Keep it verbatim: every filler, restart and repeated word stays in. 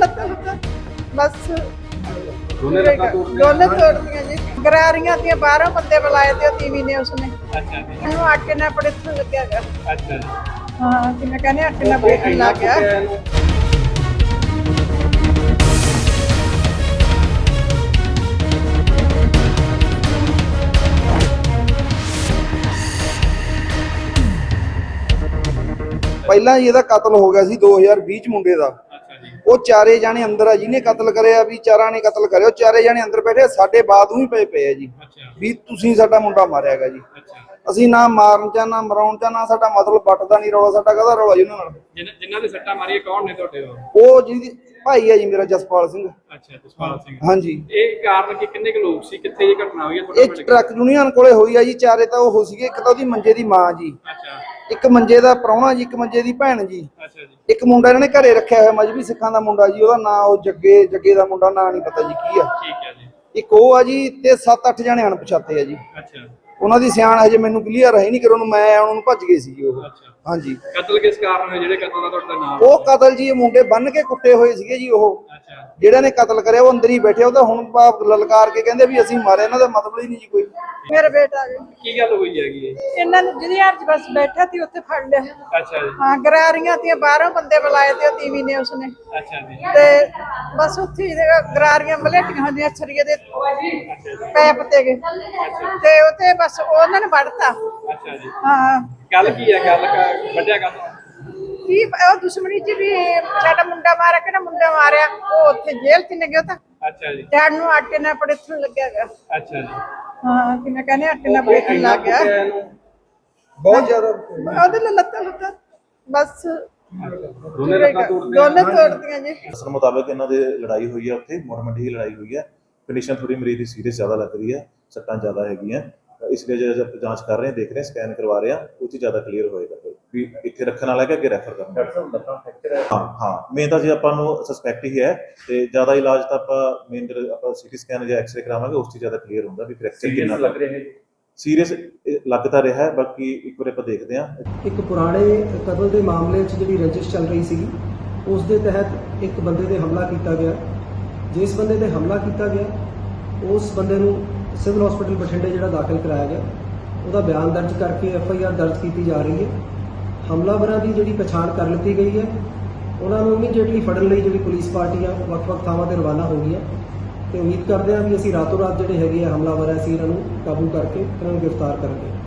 ਲੱਤਾਂ ਲੁੱਤਾਂ ਬਸ ਦੋਨੇ ਲੱਤਾਂ ਤੋੜਦੀਆਂ? ਦੋਨੇ ਤੋੜਦੀਆਂ ਜੀ। ਗਰਾਰੀਆਂ ਦੀਆਂ ਬਾਹਰੋਂ ਬੰਦੇ ਬੁਲਾਏ ਤੇ ਉਹ ਤੀਵੀਂ ਨੇ ਉਸਨੇ ਅੱਛਾ ਜੀ। ਇਹਨੂੰ ਆਟੇ ਨਾਲ ਬੜੇ ਇੱਥੋਂ ਲੱਗਿਆ ਗਾ। ਅੱਛਾ ਜੀ। ਹਾਂ ਕਿਵੇਂ ਕਹਿੰਦੇ ਆਟੇ ਨਾਲ ਬੜੇ ਲੱਗ ਗਿਆ। ਪਹਿਲਾਂ ਹੀ ਇਹਦਾ ਕਤਲ ਹੋ ਗਿਆ ਸੀ ਦੋ ਹਜ਼ਾਰ ਵੀਹ ਚ ਮੁੰਡੇ ਦਾ। ਅੱਛਾ ਜੀ। ਉਹ ਚਾਰੇ ਜਾਣੇ ਅੰਦਰ ਆ, ਜਿਹਨੇ ਕਤਲ ਕਰਿਆ ਵੀ ਚਾਰਾਂ ਨੇ ਕਤਲ ਕਰਿਆ, ਉਹ ਚਾਰੇ ਜਾਣੇ ਅੰਦਰ ਬੈਠੇ, ਸਾਡੇ ਬਾਅਦ ਹੀ ਪਏ ਪਏ ਆ ਜੀ ਅੱਛਾ ਵੀ ਤੁਸੀਂ ਸਾਡਾ ਮੁੰਡਾ ਮਾਰਿਆ ਹੈਗਾ ਜੀ। ਅੱਛਾ। ਅਸੀਂ ਨਾ ਮਾਰਨ ਚ ਨਾ ਮਰਾਉਣ ਚ ਨਾ ਸਾਡਾ ਮਤਲਬ ਵੱਟਦਾ ਨਹੀਂ ਰੌਲਾ, ਸਾਡਾ ਕਾਹਦਾ ਰੌਲਾ ਜੀ ਉਹਨਾਂ ਨਾਲ। ਜਿਨ੍ਹਾਂ ਜਿਨ੍ਹਾਂ ਦੇ ਸੱਟਾਂ ਮਾਰੀਆਂ ਕੌਣ ਨੇ ਤੁਹਾਡੇ ਉਹ? ਉਹ ਜਿਹਦੀ ਭਾਈ ਹੈ ਜੀ ਮੇਰਾ, ਜਸਪਾਲ ਸਿੰਘ। ਅੱਛਾ, ਜਸਪਾਲ ਸਿੰਘ। ਹਾਂਜੀ। ਇਹ ਕਾਰਨ ਕਿ ਕਿੰਨੇ ਕੁ ਲੋਕ ਸੀ, ਕਿੱਥੇ ਇਹ ਘਟਨਾ ਹੋਈ ਹੈ ਇਹ ਤੁਹਾਡੇ ਪਿੰਡ? ਟਰੱਕ ਯੂਨੀਅਨ ਕੋਲੇ ਹੋਈ ਆ ਜੀ। ਚਾਰੇ ਤਾਂ ਉਹ ਸੀਗੇ, ਇੱਕ ਤਾਂ ਉਹਦੀ ਮੰਜੇ ਦੀ ਮਾਂ ਜੀ, ਅੱਛਾ ਇੱਕ ਮੰਜੇ ਦਾ ਪ੍ਰਾਹੁਣਾ ਜੀ, ਇੱਕ ਮੰਜੇ ਦੀ ਭੈਣ ਜੀ, ਅੱਛਾ ਜੀ। ਇੱਕ ਮੁੰਡਾ ਇਹਨਾਂ ਨੇ ਘਰੇ ਰੱਖਿਆ ਹੋਇਆ ਮਜਬੀ ਸਿੱਖਾਂ ਦਾ ਮੁੰਡਾ ਜੀ, ਉਹਦਾ ਨਾਂ ਉਹ ਜੱਗੇ ਜੱਗੇ ਦਾ ਮੁੰਡਾ, ਨਾਂ ਨਹੀਂ ਪਤਾ ਜੀ ਕੀ ਆ। ਠੀਕ ਹੈ ਜੀ। ਇੱਕ ਉਹ ਆ ਜੀ, ਤੇ ਸੱਤ ਅੱਠ ਜਣੇ ਅਣਪਛਾਤੇ ਆ ਜੀ। ਅੱਛਾ। ਉਹਨਾਂ ਦੀ ਸਿਆਣ ਹਜੇ ਮੈਨੂੰ ਕਲੀਅਰ ਹੈ ਨਹੀਂ, ਕਿ ਉਹਨੂੰ ਮੈਂ ਆਉਣ ਨੂੰ ਭੱਜ ਗਏ ਸੀ ਉਹ। ਅੱਛਾ। ਹਾਂਜੀ। ਕਤਲ ਕਿਸ ਕਾਰਨ ਹੈ, ਜਿਹੜੇ ਕਤਲ ਦਾ ਤੁਹਾਡਾ ਨਾਮ? ਉਹ ਕਤਲ ਜੀ, ਇਹ ਮੁੰਡੇ ਬੰਨ ਕੇ ਕੁੱਟੇ ਹੋਏ ਸੀਗੇ ਜੀ। ਉਹ ਅੱਛਾ। ਜਿਹੜਾ ਨੇ ਕਤਲ ਕਰਿਆ ਉਹ ਅੰਦਰ ਹੀ ਬੈਠੇ, ਉਹ ਤਾਂ ਹੁਣ ਬਾਪ ਲਲਕਾਰ ਕੇ ਕਹਿੰਦੇ ਵੀ ਅਸੀਂ ਮਾਰੇ, ਇਹਨਾਂ ਦਾ ਮਤਲਬ ਹੀ ਨਹੀਂ ਜੀ ਕੋਈ। ਮੇਰਾ ਬੇਟਾ ਜੀ, ਕੀ ਗੱਲ ਹੋਈ ਹੈਗੀ ਇਹ? ਇਹਨਾਂ ਨੂੰ ਜਿਹਦੀ ਹੱਥ ਬਸ ਬੈਠਾ ਸੀ ਉੱਥੇ ਫੜ ਲਿਆ। ਅੱਛਾ ਜੀ। ਹਾਂ ਗਰਾਰੀਆਂ ਦੀਆਂ ਬਾਹਰੋਂ ਬੰਦੇ ਬੁਲਾਏ ਤੇ ਉਹ ਤੀਵੀਂ ਨੇ ਉਸਨੇ ਅੱਛਾ ਜੀ। ਤੇ ਬਸ ਉੱਥੇ ਹੀ ਗਰਾਰੀਆਂ ਮਲੇਟੀਆਂ ਹੁੰਦੀਆਂ ਛਰੀਏ ਦੇ ਪੈਪ ਤੇ ਗਏ ਤੇ ਉੱਥੇ ਬਸ ਉਹਨਾਂ ਨੇ ਵੜਤਾ। ਅੱਛਾ ਜੀ। ਹਾਂ ਗੱਲ ਕੀ ਹੈ? ਗੱਲ ਕ- ਵੱਡਿਆ ਗੱਲ ਕੀ ਉਹ ਦੁਸ਼ਮਣੀ ਚ ਵੀ ਸਾਡਾ ਮੁੰਡਾ ਮਾਰਿਆ, ਕਿਹੜਾ ਮੁੰਡਾ ਮਾਰਿਆ, ਉਹ ਉੱਥੇ ਜੇਲ੍ਹ ਚ ਨੇ ਗਿਆ ਤਾਂ ਅੱਛਾ ਜੀ। ਡੈਡ ਨੂੰ ਆਟੇ ਨਾਲ ਬੜੇ ਇੱਥੋਂ ਲੱਗਿਆ ਗਾ। ਅੱਛਾ ਜੀ। ਹਾਂ ਕਿਵੇਂ ਕਹਿੰਦੇ ਆਟੇ ਨਾਲ ਬੜੇ ਇੱਥੋਂ ਲੱਗ ਗਿਆ। ਬਹੁਤ ਜ਼ਿਆਦਾ। ਉਹਦੇ ਨਾਲ ਲੱਤਾਂ ਲੁੱਤਾਂ ਬਸ ਦੋਨੇ ਲੱਤਾਂ ਤੋੜਦੀਆਂ? ਦੋਨੇ ਤੋੜਦੀਆਂ ਜੀ। ਦੱਸਣ ਮੁਤਾਬਕ ਇਹਨਾਂ ਦੇ ਲੜਾਈ ਹੋਈ ਹੈ, ਉੱਥੇ ਮੋੜ ਮੰਡੀ ਦੀ ਲੜਾਈ ਹੋਈ ਹੈ। ਕੰਡੀਸ਼ਨ ਥੋੜੀ ਮਰੀਜ਼ ਦੀ ਸੀਰੀਅਸ ਜ਼ਿਆਦਾ ਲੱਗ ਰਹੀ ਹੈ, ਸੱਟਾਂ ਜ਼ਿਆਦਾ ਹੈਗੀਆਂ, ਇਸ ਲਈ ਜੇ ਆਪਾਂ ਜਾਂਚ ਕਰ ਰਹੇ ਹਾਂ, ਦੇਖ ਰਹੇ ਹਾਂ, ਸਕੈਨ ਕਰਵਾ ਰਹੇ ਹਾਂ, ਉਹ 'ਚ ਜ਼ਿਆਦਾ ਕਲੀਅਰ ਹੋਏਗਾ ਵੀ ਇੱਥੇ ਰੱਖਣ ਵਾਲਾ ਹੈ ਕਿ ਅੱਗੇ ਰੈਫਰ ਕਰਨਾ। ਹਾਂ ਹਾਂ ਮੇਨ ਤਾਂ ਜੇ ਆਪਾਂ ਨੂੰ ਸਸਪੈਕਟ ਹੀ ਹੈ, ਤੇ ਜ਼ਿਆਦਾ ਇਲਾਜ ਤਾਂ ਆਪਾਂ ਮੇਨ ਆਪਾਂ ਸਿਟੀ ਸਕੈਨ ਜਾਂ ਐਕਸਰੇ ਕਰਾਵਾਂਗੇ, ਉਸ 'ਚ ਜ਼ਿਆਦਾ ਕਲੀਅਰ ਹੁੰਦਾ ਵੀ ਫ੍ਰੈਕਚਰ ਕਿੰਨਾ ਲੱਗ ਰਿਹਾ ਹੈ। ਸੀਰੀਅਸ ਲੱਗ ਤਾਂ ਰਿਹਾ ਹੈ, ਬਾਕੀ ਇੱਕ ਵਾਰ ਆਪਾਂ ਦੇਖਦੇ ਹਾਂ। ਇੱਕ ਪੁਰਾਣੇ ਕਤਲ ਦੇ ਮਾਮਲੇ 'ਚ ਜਿਹੜੀ ਰੰਜਿਸ਼ ਚੱਲ ਰਹੀ ਸੀਗੀ, ਉਸ ਦੇ ਤਹਿਤ ਇੱਕ ਬੰਦੇ ਤੇ ਹਮਲਾ ਕੀਤਾ ਗਿਆ। ਜਿਸ ਬੰਦੇ ਤੇ ਹਮਲਾ ਕੀਤਾ ਗਿਆ, ਉਸ ਬੰਦੇ ਨੂੰ ਸਿਵਲ ਹਸਪੀਟਲ ਬਠਿੰਡੇ ਜਿਹੜਾ ਦਾਖਲ ਕਰਾਇਆ ਗਿਆ, ਉਹਦਾ ਬਿਆਨ ਦਰਜ ਕਰਕੇ ਐਫ ਆਈ ਆਰ ਦਰਜ ਕੀਤੀ ਜਾ ਰਹੀ ਹੈ। ਹਮਲਾਵਰਾਂ ਦੀ ਜਿਹੜੀ ਪਛਾਣ ਕਰ ਲਿੱਤੀ ਗਈ ਹੈ, ਉਹਨਾਂ ਨੂੰ ਇਮੀਡੀਏਟਲੀ ਫੜਨ ਲਈ ਜਿਹੜੀ ਪੁਲਿਸ ਪਾਰਟੀ ਆ ਵੱਖ-ਵੱਖ ਥਾਵਾਂ ਤੇ ਰਵਾਨਾ ਹੋ ਗਈ ਹੈ, ਤੇ ਉਮੀਦ ਕਰਦੇ ਹਾਂ ਵੀ ਅਸੀਂ ਰਾਤੋਂ ਰਾਤ ਜਿਹੜੇ ਹੈਗੇ ਆ ਹਮਲਾਵਰ ਆ, ਅਸੀਂ ਇਹਨਾਂ ਨੂੰ ਕਾਬੂ ਕਰਕੇ ਇਹਨਾਂ ਨੂੰ ਗ੍ਰਿਫਤਾਰ ਕਰਾਂਗੇ।